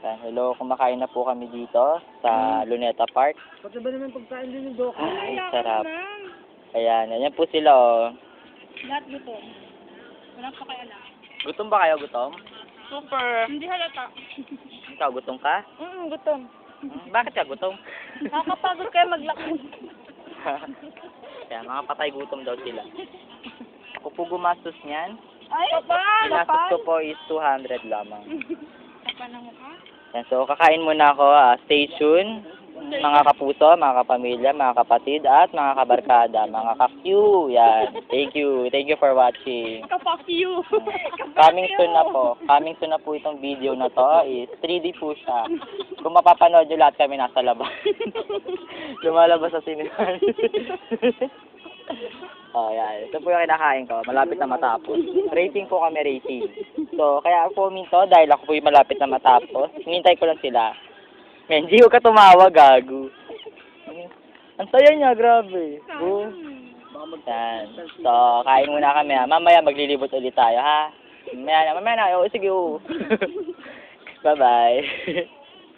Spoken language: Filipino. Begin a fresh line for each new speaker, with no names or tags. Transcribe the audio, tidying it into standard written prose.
Yan, hello, kumakain na po kami dito sa Luneta Park.
Pati ba naman pagkain din yung Doka?
Ay, sarap. Ayan, ayan po sila oh.
Lahat gutom. Walang pakialam.
Gutom ba kayo, gutom?
Super. Hindi halata.
Ikaw, gutom ka?
Gutom.
Bakit ka gutom?
Nakakapagod kayo maglakad.
Kaya mga patay gutom daw sila. Ako po gumastos niyan.
Ay, kapal!
Ginastos ko po is 200 lamang.
Kapal na mukha?
Yan, so kakain muna ako. Stay tuned. Mga kapuso, mga kapamilya, mga kapatid, at mga kabarkada, mga ka-Q. Yan. Thank you. Thank you for watching.
Kapak you.
Coming soon na po. Coming soon na po itong video na to is 3D po siya. Kung mapapanood nyo lahat kami nasa labas. Lumalabas sa sinihan. Oh, yan. Ito po yung kinakain ko. Malapit na matapos. Rating po kami, rating. So, kaya ako minto dahil ako po yung malapit na matapos. Hinintay ko lang sila. Menji, huwag ka tumawa, gago. Ang saya niya, grabe. Yan. So, kain muna kami ha. Mamaya maglilibot ulit tayo ha. Mamaya na. Oo, sige, oo. Bye-bye.